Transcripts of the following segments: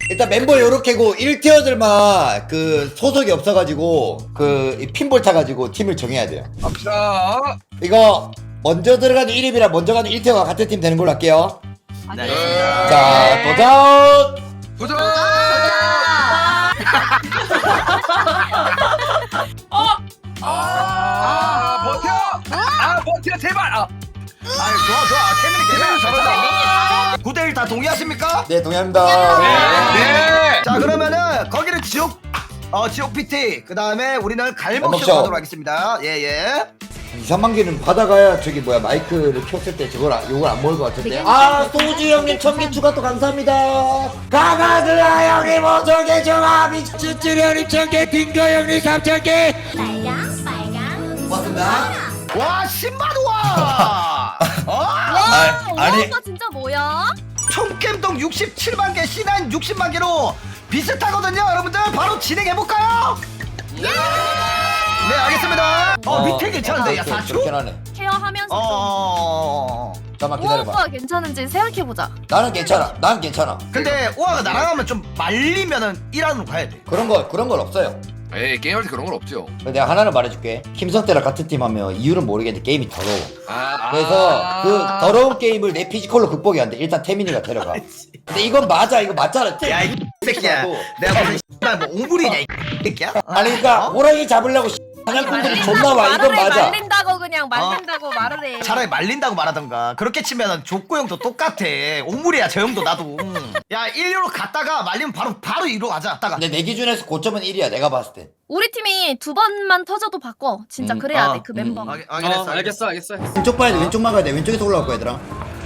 일단 멤버 요렇게고 1티어들만 그 소속이 없어가지고 그 핀볼 타가지고 팀을 정해야 돼요. 갑시다. 이거 먼저 들어가는 1위랑 먼저 가는 1티어가 같은 팀 되는 걸로 할게요. 네. 자 도전. 도전. 버텨. 버텨 제발. 좋아. 케빈이 잘한다. 9대1 다 동의하십니까? 네 동의합니다. 네. 자 그러면은 거기는 지옥 PT 그 다음에 우리는 갈목쇼 갈목쇼. 가도록 하겠습니다. 예예. 2, 3만 개는 받아가야 저기 뭐야 마이크를 켰을 때 요걸 안 먹을 것 같은데. 아 소주 형님 1000개 추가 또 감사합니다. 가가드라 형님 5,000개 추가 미츠츠리 형님 1000개 딩거 형님 3000개 고맙습니다. 와 10만 원. 와, 아니. 오빠 진짜 뭐야? 총겜동 67만 개, C9 60만 개로 비슷하거든요. 여러분들 바로 진행해 볼까요? 네 알겠습니다. 밑에 괜찮은데 야 4초? 그렇긴 하네. 케어하면서 잠깐만 좀 기다려봐. 오빠 괜찮은지 생각해보자. 나는 괜찮아. 난 괜찮아. 근데 우아가 나랑 하면 좀 말리면은 1안으로 가야 돼. 그런 건 없어요. 에이 게임할 때 그런 건 없죠. 내가 하나를 말해줄게. 김성태랑 같은 팀 하면 이유는 모르겠는데 게임이 더러워. 그래서 그 더러운 게임을 내 피지컬로 극복이 안 돼. 일단 태민이가 데려가. 근데 이건 맞아. 이거 맞잖아. 야 이 새끼야. 내가 무슨 뭐 오물이냐 이 새끼야? 아니 그러니까 호랑이 잡으려고 사냥꾼들이 존나 와. 이건 말을 해, 맞아. 말린다고 그냥 말린다고 말을 해. 차라리 말린다고 말하던가. 그렇게 치면은 족구 형도 똑같아. 오물이야 저 형도 나도. 야 1루로 갔다가 말리면 바로 2루 가자. 갔다가. 근데 내 기준에서 고점은 1이야. 내가 봤을 때. 우리 팀이 2번만 터져도 바꿔. 진짜 그래야 돼 그 멤버. 알겠어. 왼쪽 봐야 돼. 왼쪽 막아야 돼. 왼쪽에서 올라올 거야 얘들아.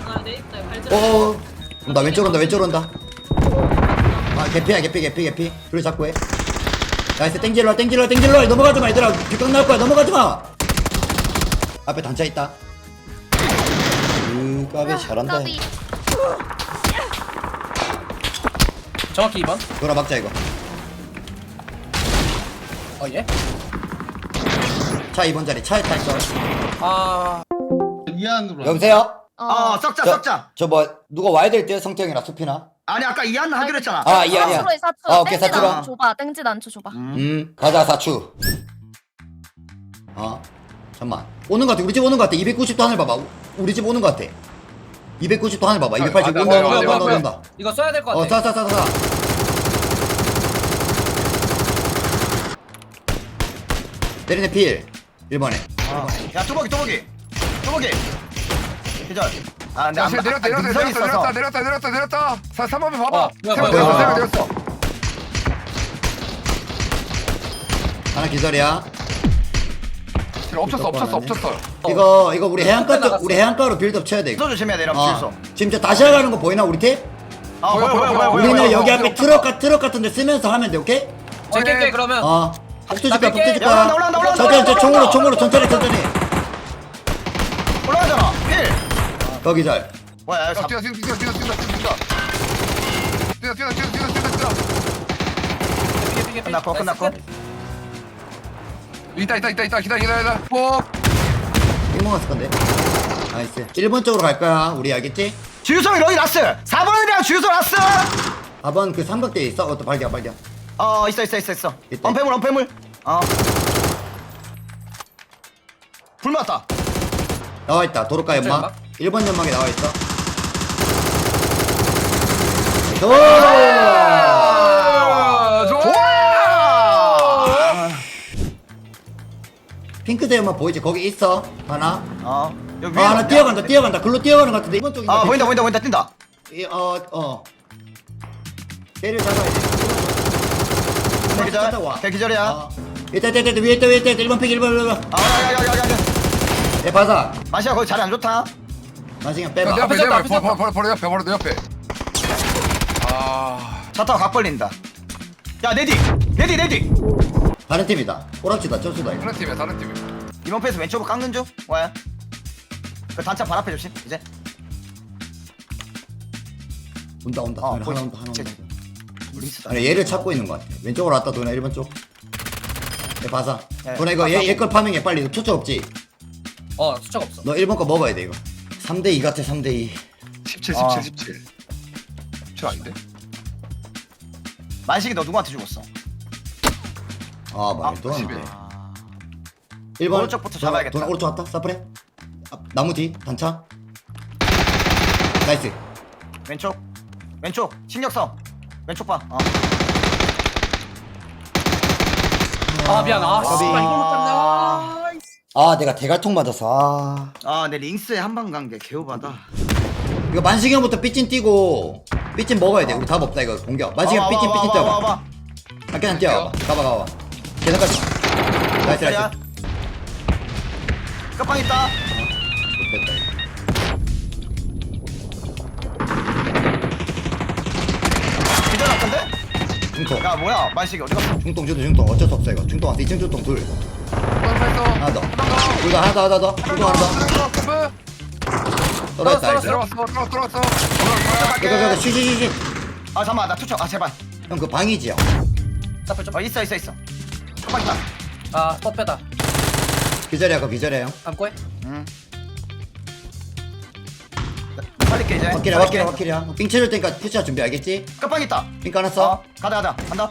나 왼쪽으로 온다. 아 개피야 개피. 그래 잡고 해. 나이스 땡질러 넘어가지 마 얘들아. 뒷각 나올 거야. 넘어가지 마. 앞에 단차 있다. 까비 잘한다. 까비. 정확히 2번. 돌아 막자 이거. 예? 차 2번 자리 차에 타 있어. 아. 여보세요? 썩자. 저 뭐 누가 와야 될 때 성태형이나 수피나? 아니 아까 2안 하기로 했잖아. 아 이해야. 사추로에 사추. 오케이 땡지 사추로. 난초 줘봐. 땡지 난초 줘봐. 가자 사추. 잠만 오는 것 같아. 우리 집 오는 것 같아. 290도 하늘 봐봐. 우리 집 오는 것 같아. 290도 하늘 봐봐. 280 온다. 이거 써야 될 것 같아. 쏴. 때리네 필 1번에. 야 뚜벅이. 기절. 아 근데 능선이 있어서. 내렸다. 3번에 봐봐. 뭐야. 내렸어. 하나 기절이야. 없었어. 이거 우리 해안가로 빌드업 쳐야 돼. 주소 조심해야 돼 여러분 주소. 지금 저 다시 가는 거 보이나 우리 팀? 보여. 우리는 여기 앞에 트럭 같은 데 쓰면서 하면 돼. 오케이? 제낄게 그러면. 복수 줄까? 야, 올라온다. 총으로 천천히 올라가잖아. 1. 거기 잘. 뭐야 뛰어. 끝났고. 있다. 기다려. 뽀. 먹었을 건데. 나이스. 1번 쪽으로 갈 거야. 우리 알겠지? 주유소에 러이 라스. 4번이랑 주유소 라스. 4번 그 삼각대에 있어. 또 발견. 있어. 있대. 언패물. 불 맞다. 나와 있다. 도로가 연막. 연막? 1번 연막에 나와 있어. 좋아. 핑크색 연막 보이지? 거기 있어. 하나. 여기 하나 뛰어간다. 글로 뛰어가는 것 같은데. 이번 쪽인가? 보인다 뛴다. 때를 잡아야 돼. 기절이야. 있다. 위에 있다. 1번 픽 1번. 야야야야야. 내 바사. 마시야 거기 자리 안 좋다. 마시경 내 빼봐. 앞에 바로 내 옆에. 차 타고 각 벌린다. 야 내디. 다른 팀이다. 오락지다. 저수다. 이거. 다른 팀이야. 이번 패스 왼쪽으로 깎는 중. 와야. 그 단차 발 앞에 조심. 이제. 온다. 하나 온다. 리스. 아니 얘를 찾고 있는 것 같아. 왼쪽으로 왔다 도나 1번 쪽. 내 바사. 네, 도나 이거 얘 걸 파밍해 빨리. 투척 없지? 수척 없어. 너 1번 거 먹어야 돼 이거. 3대2 같아 3대2. 17 아닌데? 만식이 너 누구한테 죽었어? 아 말도 안 돼. 11. 1번 오른쪽부터 잡아야겠다. 돈 오른쪽 왔다. 사프레. 나무 뒤 단차. 나이스. 왼쪽 왼쪽 신력성 왼쪽 봐. 아 미안. 아 까비. 씨발 이걸 못 잡네. 아 내가 대갈통 맞았어. 내 링스에 한 방 간 게 개오바다. 이거 만식이 형부터 삐찐 뛰고 삐찐 먹어야 돼. 우리 답 없다 이거 공격. 만식이 형 삐찐 뛰어봐. 그냥 뛰어봐. 가봐. 계산까지. 나이스. 끝방 있다. 못됐다. 기절 같은데? 중통. 야 뭐야 만식이 어디 갔어? 중통 주도 중통. 어쩔 수 없어 이거. 중통 왔어. 2층 중통 둘. 하나 더. 둘 더. 하나 더. 중통 하나 더. 떨어졌다. 나이스. 들어왔어. 이거 쉬. 잠깐만 나 투척. 제발. 형 그 방이지요. 사플 좀. 있어. 끝방 있다. 아 뻗빼다. 기절이야 그거 기절이야 형. 감고 해. 살릴게 이제. 확킬이야. 삥 쳐줄 테니까 푸시할 준비 알겠지? 끝방 있다. 삥 까놨어? 가다 간다.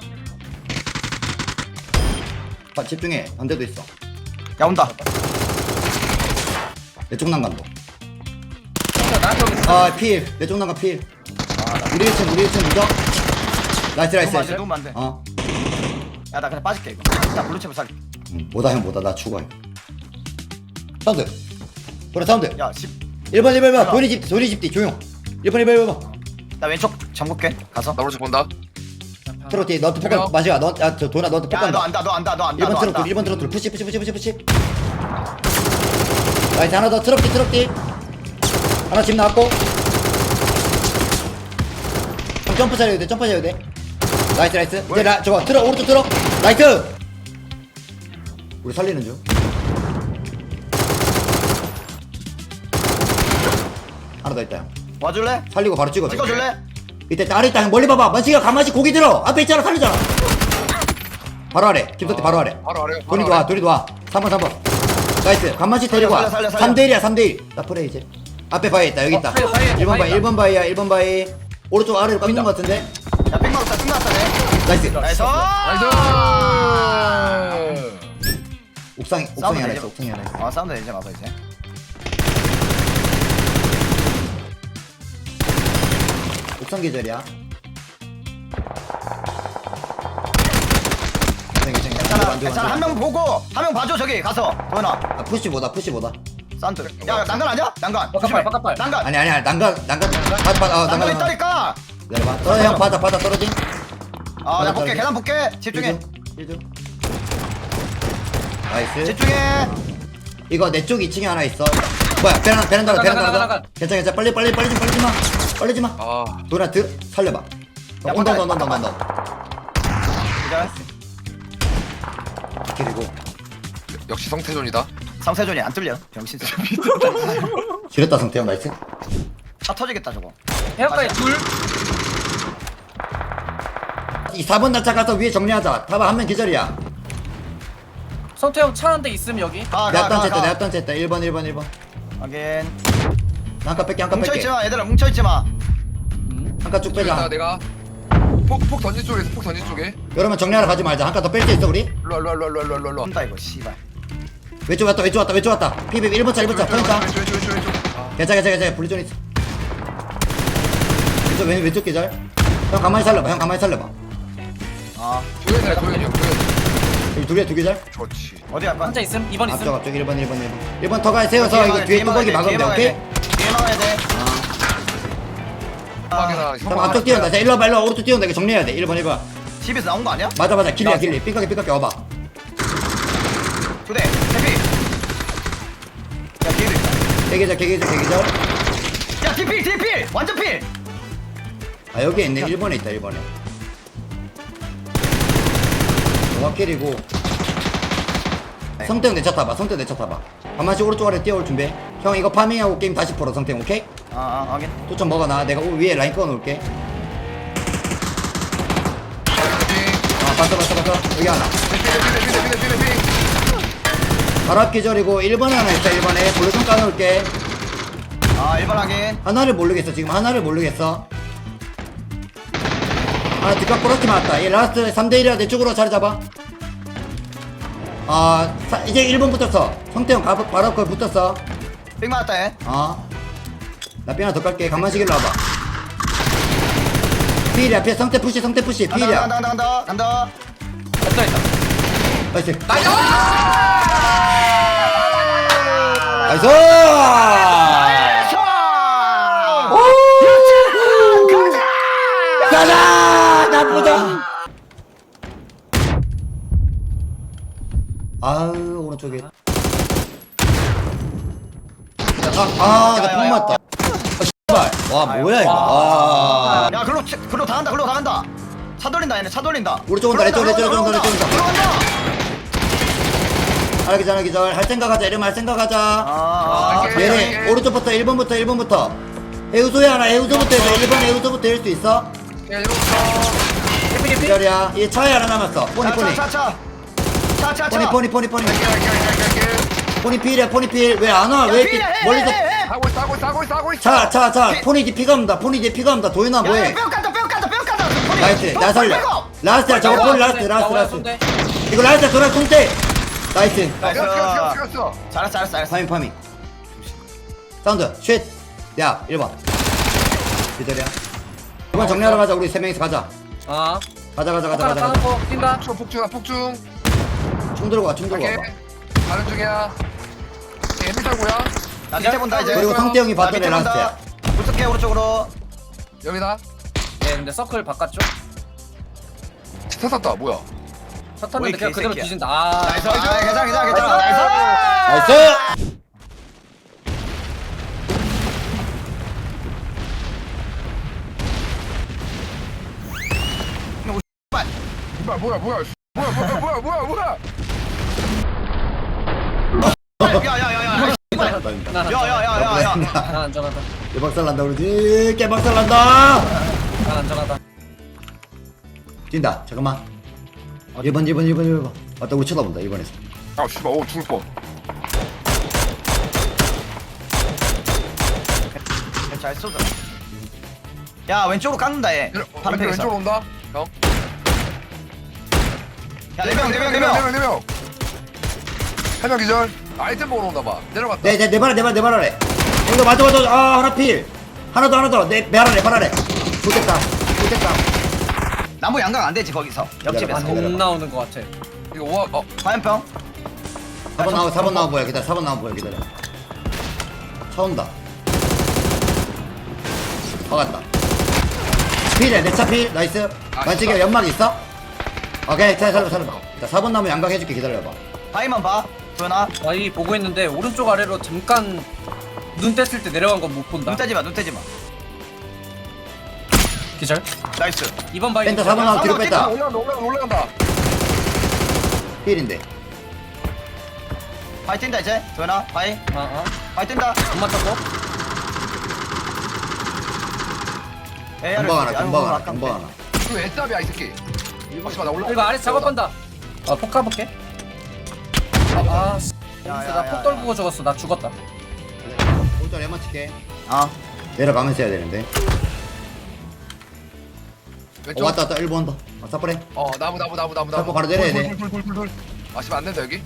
집중해. 반대도 있어. 야 온다. 내쪽 난간도. 나한테 여기 있어. 필. 내쪽 난간 필. 우리 1층 무적. 나이스. 누우면 안 돼. 야 나 그냥 빠질게 이거. 일단 블루칩을 살게. 뭐다 나 죽어. 사운드. 그래 사운드. 야 10. 1번. 도리 집 뒤 조용. 1번. 나 왼쪽 잠글게. 가서. 나 오른쪽 본다. 트로티 너한테 폭간 마시야. 저 도나 너한테 야 너 폭간다. 안다. 1번 트로트 푸시. 나이스 하나 더 트럭티. 하나 집 나왔고. 형 점프 잘해야 돼. 나이스. 이제 저거 들어 오른쪽 들어. 나이스. 우리 살리는 중. 하나 더 있다 형. 와줄래? 살리고 바로 찍어. 찍어줄래? 이때 아래 있다 형 멀리 봐봐. 만식이가 가만히 고기 들어. 앞에 있잖아 살리잖아. 바로 아래. 김석태 바로 아래. 바로 아래. 돈이 와. 3번. 나이스. 간만씩 데리고 와. 살려. 3대1이야. 나 프레 이제. 앞에 바위 있다. 여기 있다. 바위, 1번 바위야. 1번 바위. 오른쪽 아래로 깎는 거 같은데. 야 뺑 맞았다. 네. 나이스. 나이스. 옥상에 싸우면 하나 되지. 있어. 옥상에 하나 있어. 사운드 이제 막아 이제. 옥상 계절이야. 괜찮아. 한 명 보고 한 명 봐줘 저기 가서. 도현아. 아, 푸시보다. 사운드. 야 난간 아니야? 난간. 바깥발. 난간. 아니야. 난간. 난간 난간. 있다니까. 내려봐. 떨어져 형 바다 떨어진. 나 볼게. 계단 볼게. 집중해. 1중. 나이스. 집중해. 이거 내 쪽 2층에 하나 있어. 뭐야? 베란다로. 나가. 괜찮아. 빨리 좀 마. 아, 도나 살려봐. 야, 온다. 기절. 그리고 역시 성태존이다. 상세존이 안 뚫려. 병신. 지렸다 성태형 나이스. 차 터지겠다 저거. 해역까지 둘. 이 4번 날짜 가서 위에 정리하자. 타봐 한 명 기절이야. 성태 형 차 한 대 있음 여기. 내 앞단 쨌다 1번. 확인. 한칸 뺄게. 뭉쳐있지 마 얘들아 뭉쳐있지 마. 한칸 쭉 저기다 빼자. 내가 폭 던진 쪽에. 그러면 정리하러 가지 말자. 한 칸 더 뺄 수 있어 우리? 일로. 온다 이거 씨발. 왼쪽 왔다. 피비 1번 차 포인트. 왼쪽. 괜찮아. 분리존 있어. 왼쪽 계절. 형 가만히 살려봐. 도현이야. 여기 두 계절. 좋지. 어디 갈 거야? 한자 있음. 2번 있음. 앞쪽 1번 더 가야 세워서 이거 뒤에 뚜벅이 막으면 돼. 오케이? 뒤에 막아야 돼. 빡이나 그럼 앞쪽 뛰어온다. 자, 일로 와봐. 오른쪽 뛰어온다. 이거 정리해야 돼. 1번. 집에서 나온 거 아니야? 맞아. 길리. 삐까게 와봐. 두 대. 해피. 야 뒤에도 있다. 개계절. 야 뒤필 필. 완전 필. 아, 여기 있네. 1번에 있다. 1번에. 와킬이고. 성태형 내 차 타봐. 가만씩 오른쪽 아래 뛰어올 준비. 형 이거 파밍하고 게임 다시 풀어. 성태형 오케이? 확인. 또좀 먹어놔. 내가 위에 라인 꺼놓을게. 봤어. 여기 하나. 바로 앞 기절이고 1번에 하나 있다. 1번에 볼로 좀 까놓을게. 1번 확인. 하나를 모르겠어. 지금 하나를 모르겠어. 아 뒷각 꼬락지 맞았다. 얘 라스트 3대1이야. 내 쪽으로 자리 잡아. 이제 1번 붙었어. 성태형 바로 거기 붙었어. 빅 맞았다 얘. 나 삐 하나 더 깔게. 강만식일로 와봐. 필이야. 필 성태 푸시 필이야. 간다. 없다 있다. 나이스. 나이스! 나이스. 가자. 나쁘다. 아유 오른쪽에. 나폭 맞다. 씨발. 와 뭐야 이거. 야 글로 다 간다. 차 돌린다 얘네 차 돌린다. 우리 쪽 온다. 내 쪽 온다. 들어간다. 하나 기절. 할 생각 하자. 이러면 할 생각 하자. 오케이. 얘네 오른쪽부터 1번부터 해우소에 하나. 해우소부터 해서 1번 해우소부터 할 수 있어? 야 이러면서 기절이야. 얘 차에 하나 남았어. 포니 차. 포니 필이야. 왜 안 와? 왜 이렇게 멀리서 싸고 있어 자 포니 뒤 피가 옵니다. 도윤아 뭐해? 뼈 깐다. 나이스. 나 살려. 라스트야. 저거 포니 라스트. 이거 라스트 돌아 통대. 나이스. 죽였어 잘했어. 파밍. 사운드. 쉿. 야 1번. 기절이야. 이번 정리하러 가자. 우리 3명이서 가자. 가자. 까놓고 뛴다. 폭중 총 들고 와. 갈게 가는 중이야 애미사고야 나 밑에 본다 이제. 그리고 성태 형이 나 봤던 애 밑에 본다. 라스트야. 붙을게 오른쪽으로. 여기다 예, 근데 서클 바깥쪽. 탔다 뭐야 차 탔는데 그냥 그대로 새끼야. 뒤진다. 나이스. 괜찮아. 나이스. 나이스. 뭐야 야야야야. 야야야야야. 난 안전하다. 개박살 난다 그러지. 개박살 난다. 난 안전하다. 뛴다. 잠깐만. 1번. 맞다. 우리 쳐다본다. 1번에서. 아 씨발 죽을 뻔 잘 쏘자. 야 왼쪽으로 깎는다 얘. 바로 팩에서. 왼쪽으로 온다 형 야 4명. 한명 기절 아이템 먹으러 온다봐 내려갔다 내 발 아래. 이거 맞아. 하나 필. 하나 더. 내 발 아래. 좋겠다. 나무 양각 안 되지 거기서. 옆집에서. 내려봐. 못 나오는 것 같아. 이거 우와 화염병. 4번 나와 보여. 기다려. 4번 나와 보여. 기다려. 차 온다. 박았다. 필이야. 내 차 필. 나이스. 만식이 연막 있어? 오케이. 자, 살려봐. 자, 4번 나무 양각 해줄게. 기다려봐. 바위만 봐. 도현아. 와이 보고 있는데 오른쪽 아래로 잠깐 눈 뗐을 때 내려간 건 못 본다. 눈 떼지 마. 기절. 나이스. 2번 바위. 뺀다. 4번 나무 뒤로 뺐다. 올라간다 필인데. 바위 뛴다 이제. 도현아. 바위 뛴다. 안 맞췄고. 금방 하나. 이거 애답이야 이 새끼 씨발 나 올라 이거 아래 작업한다. 폭 가볼게. 나폭 떨구고 죽었어. 나 죽었다. 오늘 애만 칠게. 어. 내려가면서 해야 되는데. 왼쪽 왔다. 1번 더. 사퍼래. 나무 잡고 바로 내려야 돼. 돌 아 씨발 안된다 여기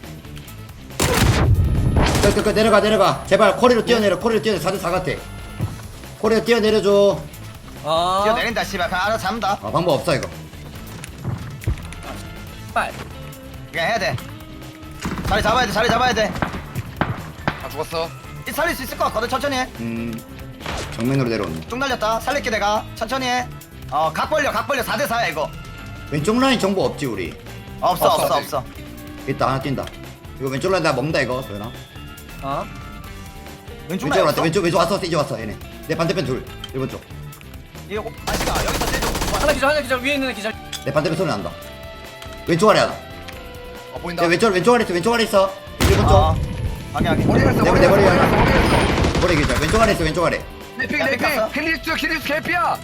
내려가. 제발 코리로 뛰어내려. 4대4 같아. 코리로 뛰어내려줘. 뛰어내린다 씨발. 그냥 알아서 잡는다. 방법 없어 이거. 빨. 그냥 해야 돼. 자리 잡아야 돼. 아 죽었어 살릴 수 있을 것 같거든. 천천히 해. 정면으로 내려오네. 쭉 날렸다. 살릴게 내가. 천천히 해. 각 벌려. 4대4야 이거. 왼쪽 라인 정보 없지 우리. 없어. 있다. 하나 뛴다. 이거 왼쪽 라인 나 먹는다 이거. 도현아. 왼쪽 왼쪽 왔다. 라인 왼쪽 왔어. 이제 왔어 얘네. 내 반대편 둘. 1번 쪽. 이거 아시가 여기서 떼줘. 하나 기절 위에 있는 애 기절. 내 반대편 소리 난다. 왼쪽 아래 하나. 보인다 야, 왼쪽 아래 있어. 1번 쪽. 방향. 머리 갔어 내 머리 머리 갔어 하나. 머리 갔어 머리 기자. 왼쪽 아래 있어. 왼쪽 아래. 내픽 야, 픽 갔어? 킬리스 개피야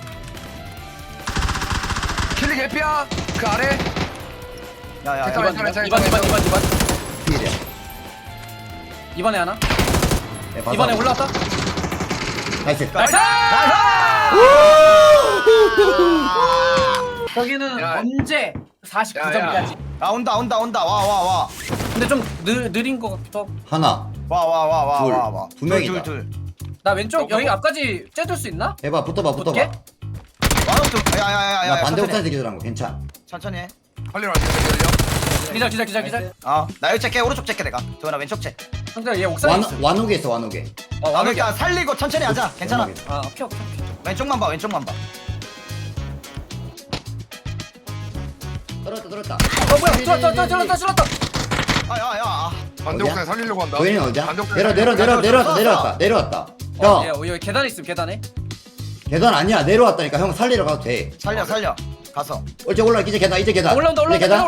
킬리 개피야 그 아래 야야. 잠깐만. 2번. 필이야. 2번에 하나. 내 봐서. 2번에 올라왔다. 나이스. 나이스! 나이스! 여기는 야. 언제 49점까지. 아 온다 와. 근데 좀 느린 거 같기도 하고. 하나 와. 두 명이다. 둘. 나 왼쪽 여기 앞까지 째줄 수 있나? 해봐 붙어봐 어떻게? 야야야야. 나 반대 옥상에서 기절한 거 괜찮아. 천천히 해. 살리러 갈게. 기절. 나 여기 째게 오른쪽 째게 내가. 도현아 왼쪽 째. 상대 얘 옥상에 있어. 완옥에 있어 완옥에. 그러니까 살리고 천천히 하자. 괜찮아. 완옥에. 아 오케이. 왼쪽만 봐. 떨었다. 뭐야? 찔렀다. 아야야. 반대 어디야? 옥상에 살리려고 한다. 도현이 어디야? 반대 옥상에 내려왔다. 형 여기 계단에 있음 계단에. 계단 아니야 내려왔다니까 형 살리러 가도 돼. 살려. 가서. 이제 올라 이제 계단. 올라온다. 이제 계단.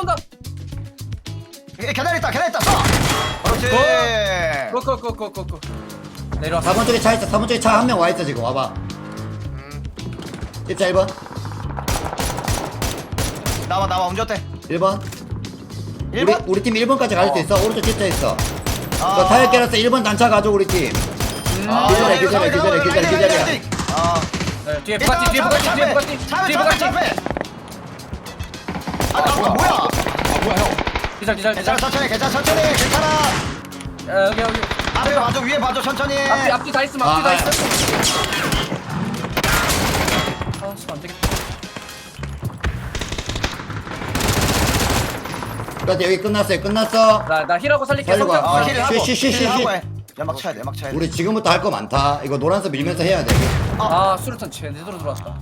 계단 있다. 쏴. 그렇지. 고고고고고. 내려왔어. 4번 쪽에 차 있어. 4번 쪽에 차 한 명 와 있어 지금 와봐. 입자 1번. 나와 운전대. 1번. 1번? 우리 팀 1번까지 갈 수 있어. 오른쪽 집자 있어. 아. 너 타이어 깨놨어. 1번 단차 가져 우리 팀. 기다려. 네, 뒤에 부가티. 뭐야? 뭐야 형? 기절. 괜찮아 천천히 여기. 앞에 봐줘 위에 봐줘 천천히. 앞뒤 다 있음. 아, 아, 씨, 안 되겠다. 여기 끝났어. 나 힐하고 살릴게. 살리고 와. 성격. 힐 하고 쉬. 힐 하고 해. 연막 쳐야 돼. 우리 지금부터 할 거 많다. 이거 노란색 밀면서 해야 돼. 아, 수류탄 제대로 들어왔다.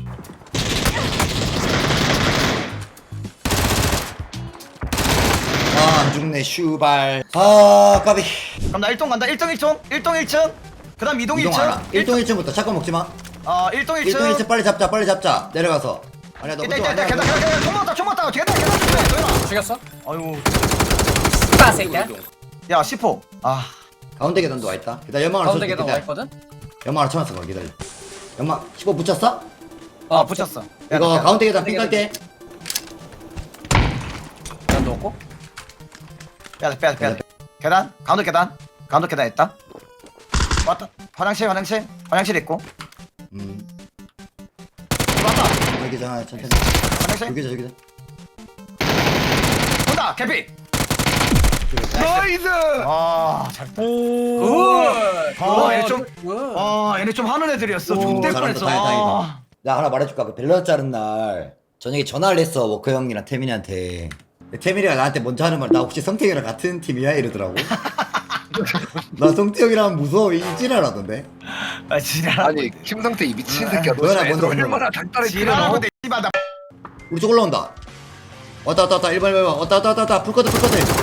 안 죽네 슈발. 아 까비. 그럼 나 1동 간다. 1동 1층. 그다음 2동 이동 1층. 하나. 1동 1층부터 잠깐 먹지 마. 1동 1동 1층. 1층 빨리 잡자. 내려가서. 아니야 너 그쪽 이따 아니야. 계단 총 맞다. 계단 도현아. 죽였어? 아유. 아, 새끼야. 야 10호. 가운데 계단도 와 있다. 기다려. 연막을 가운데 쳐줄게. 계단 와 있거든? 연막을 쳐놨어. 거 기다려. 연막 15 붙였어? 붙였어. 이거 가운데 계단 삥 깔게. 계단 넣었고. 빼야 돼. 계단. 가운데 계단 있다. 왔다. 화장실 있고. 왔다. 여기 자 천천히. 화장실. 여기자. 온다. 개피. 나이스. 잘. 굿. 얘네 좀. 얘네 좀 하는 애들이었어. 존댓 잘한다. 뻔했어. 다행이다. 나 하나 말해줄까? 그 밸런스 자른 날 저녁에 전화를 했어 워커 형이랑 태민이한테. 태민이가 나한테 먼저 하는 말 나 혹시 성태형이랑 같은 팀이야? 이러더라고. 나 성태형이랑 하면 무서워 이지랄하던데. 지랄. 아니 김성태 이 미친 새끼야. 너 너나 진짜 먼저 애들 먹어. 얼마나 단단히 지랄하고 끓여. 내 씨발 나. 우리 쪽 올라온다. 왔다 1번 왔다 불꺼들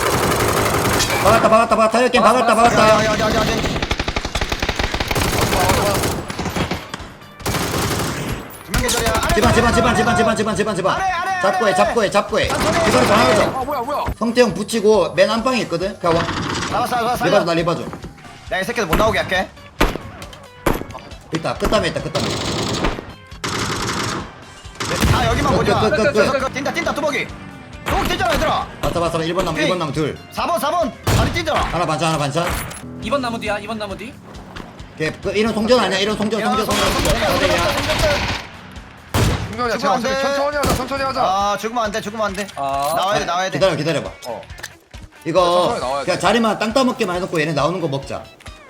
박았다 타이어 게임 박았다. 두명 계절이야. 집안. 아래. 잡고 해. 기다려 전화하자. 뭐야? 성태형 붙이고 맨 안방에 있거든. 가와. 나왔어. 나 리바줘. 야, 이 새끼들 못 나오게 할게. 있다. 끝담에 있다. 여기만 보자. 끝. 뛴다, 뚜벅이. 뚜벅이 뛰잖아, 얘들아. 봤어. 1번 남 둘. 4번. 다리 뛰잖아. 하나 반찬. 2번 나무 뒤야. 이런 송전 아니야? 이런 송전. 승현이야 죽으면 안 돼. 천천히 하자. 죽으면 안 돼. 아, 나와야 돼. 기다려봐. 천천히 나와야 이거 돼. 그냥 자리만 땅 따먹게만 해놓고 얘네 나오는 거 먹자.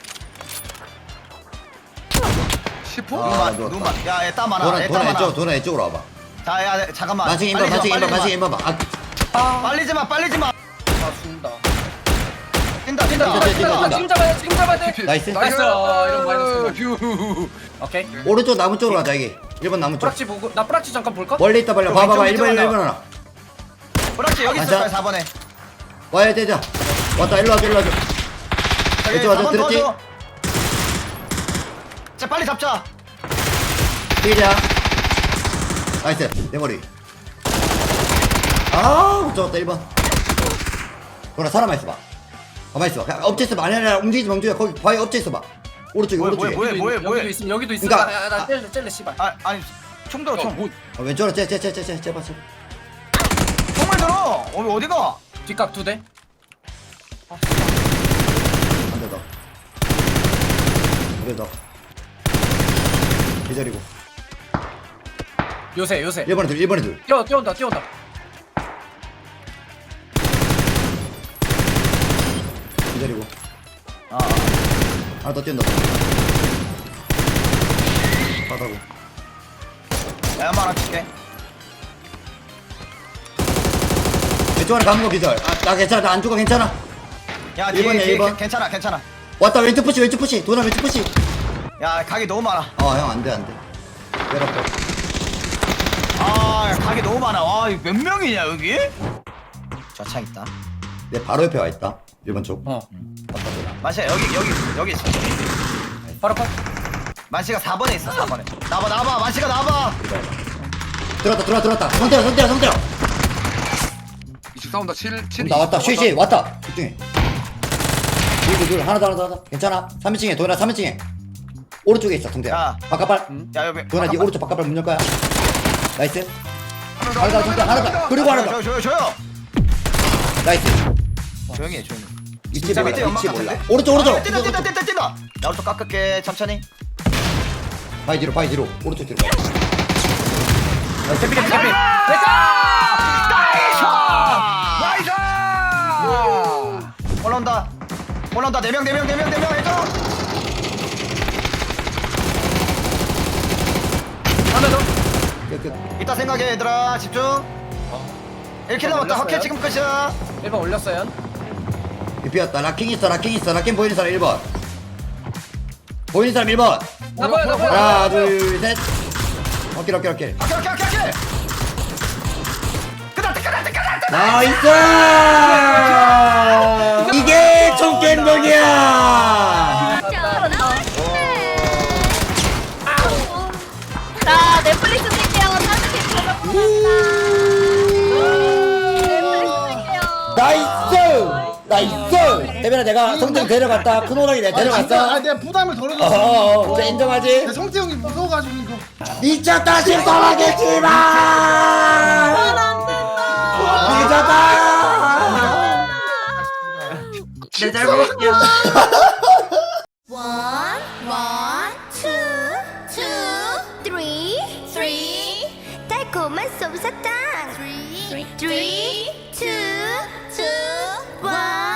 10호? 아, 눈만. 야, 얘 땀 많아. 도나 이쪽으로 와봐. 자, 야, 잠깐만. 만식 인바. 빨리지 마. 아, 죽는다. 뛴다. 지금 잡아야 돼. 나이스. 나이스. 이런 거 마이너스. 휴. 오케이. 오른쪽 나무 쪽으로 가자 여기. 1번 나무 쪽. 뿌락지 보고 나 뿌락지 잠깐 볼까? 멀리 있다 빨리. 봐봐. 왼쪽 1번 밑으로 하나. 그렇지, 여기 있을 거야, 4번에. 와야 되자. 왔다 일로 와줘. 왼쪽 와줘. 들었지? 자, 빨리 잡자. 뛰자. 나이스. 내 머리. 못 잡았다 1번. 도나 살아만 있어봐. 가만히 있어봐. 그냥 엎쳐 있어봐. 아니야 움직이지 마. 거기 바위 엎쳐 있어봐. 오른쪽에. 여기도 있음. 그러니까- 나 젤레 씨발. 아니, 총 들어, 총. 왼쪽으로 제발. 총을 들어. 어디가? 뒷각 2대. 한 대 더. 기다리고. 요새 1번에 둘 1번에 둘 뛰어온다 기다리고 아, 하나 더 뛴다 바다고 야, 한번 하나 줄게. 왼쪽 안에 감은 거 기절 나 괜찮아 나 안 죽어 괜찮아 야, 1번이야, 뒤에 1번. 괜찮아. 왔다 왼쪽 푸시 도나 왼쪽 푸시 야, 각이 너무 많아. 형 안돼 내렸다 아, 각이 너무 많아. 와, 이거 몇 명이냐 여기? 저 창 있다. 내 바로 옆에 와있다 1번 쪽 만시야 여기 있어. 바로 컷 만시가 4번에 있어. 4번에. 나봐. 만시가 나봐. 들어왔다 성태야 이쪽 싸운다 7 나왔다 쉬 왔다 집중해 둘 하나 더 괜찮아 3인칭에 도현아 3인칭에 오른쪽에 있어 성태야 야. 바깥발 야, 여기. 도현아 니 오른쪽 바깥발 문 열 거야 나이스 하나 더 성태야 하나 더 그리고 하나 더 조용. 나이스 조용히 해. 위치 진짜 몰라 밑에 연막 위치 몰라 같은데? 오른쪽 아, 뛴다. 나 오른쪽 깎을게. 천천히. 바위 뒤로 오른쪽 뒤로 대피 나이스! 올라온다. 4명 해줘. 하나 더 끝 이따 생각해 얘들아. 집중. 1킬 남았다. 확해 지금 끝이야. 1번 올렸어요 비었다 라킹 있어 라킹 보이는 사람 1번 보이는 사람 1번 나 보여 하나 둘셋 오케이 오케이. 끝났다. 나이스 이게 총겜덕이야 자 넷플릭스 쓸게요. 따뜻해 나이스 대변아 내가 성태형 데려갔다 큰 호랑이 내가 데려갔어 내가 부담을 덜어줬어. 진짜 인정하지? 근데 성태 형이 무서워가지고 이거. 미쳤다 심사하겠지만 미쳤다 내 잘못이야 One, two, three. 달콤한 솜사탕. Three, two, one.